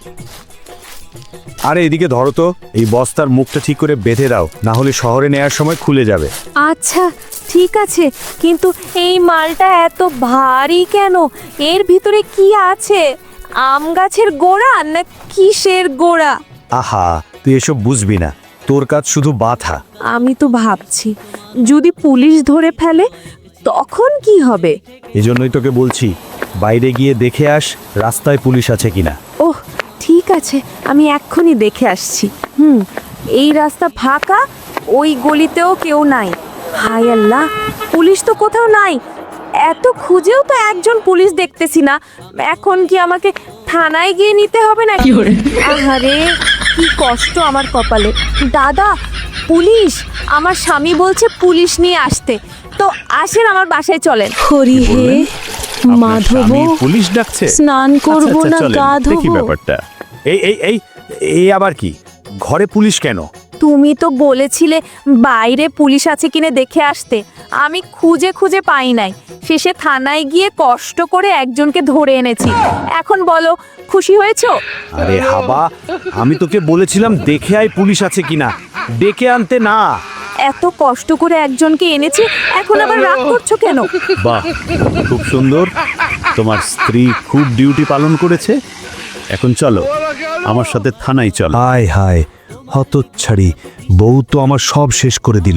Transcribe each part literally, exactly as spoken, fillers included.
আরে এদিকে ধরো তো, এই বস্তার মুখটা ঠিক করে বেঁধে দাও, না হলে শহরে নেয়ার সময় খুলে যাবে। আচ্ছা ঠিক আছে, কিন্তু এই মালটা এত ভারী কেন? এর ভিতরে কি আছে? আম গাছের গোড়া না কিসের গোড়া? আহা, তুই এসব বুঝবি না, তোর কাজ শুধু বাধা। আমি তো ভাবছি যদি পুলিশ ধরে ফেলে তখন কি হবে। এজন্যই তোকে বলছি, বাইরে গিয়ে দেখে আস রাস্তায় পুলিশ আছে কিনা। ওহ ঠিক আছে, আমি এক্ষুনি দেখে আসছি। হুম, এই রাস্তা ফাঁকা, ওই গলিতেও কেউ নাই। হায় আল্লাহ, পুলিশ তো কোথাও নাই। এত খুঁজেও তো একজন পুলিশ দেখতেছি না। এখন কি আমাকে থানায় গিয়ে নিতে হবে না? আহারে কি কষ্ট আমার কপালে। দাদা, পুলিশ! আমার স্বামী বলছে পুলিশ নিয়ে আসতে। তো আসেন আমার বাসায় চলেন। হরি হে মাধব, পুলিশ ডাকছে? স্নান করব না গা দেখি ধোবো? ব্যাপারটা। এই এই এই এই আবার কি? ঘরে পুলিশ কেন? তুমি তো বলেছিলে বাইরে পুলিশ আছে কিনে দেখে আসতে। আমি খুঁজে খুঁজে পাই নাই, শেষে থানায় গিয়ে কষ্ট করে একজনকে ধরে এনেছি। এখন বলো, খুশি হয়েছো? আরে হাবা, আমি তোকে বলেছিলাম দেখে আয় পুলিশ আছে কিনা, ডেকে আনতে না। এত কষ্ট করে একজনকে এনেছি, এখন আবার রাগ করছো কেন? বাহ, খুব সুন্দর, তোমার স্ত্রী খুব ডিউটি পালন করেছে। এখন চলো আমার সাথে থানায় চলো। হায় হায়, হতচ্ছাড়ি বউ তো আমার সব শেষ করে দিল।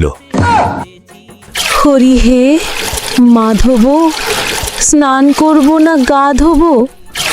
হরি হে মাধব, স্নান করব না গা ধোবো?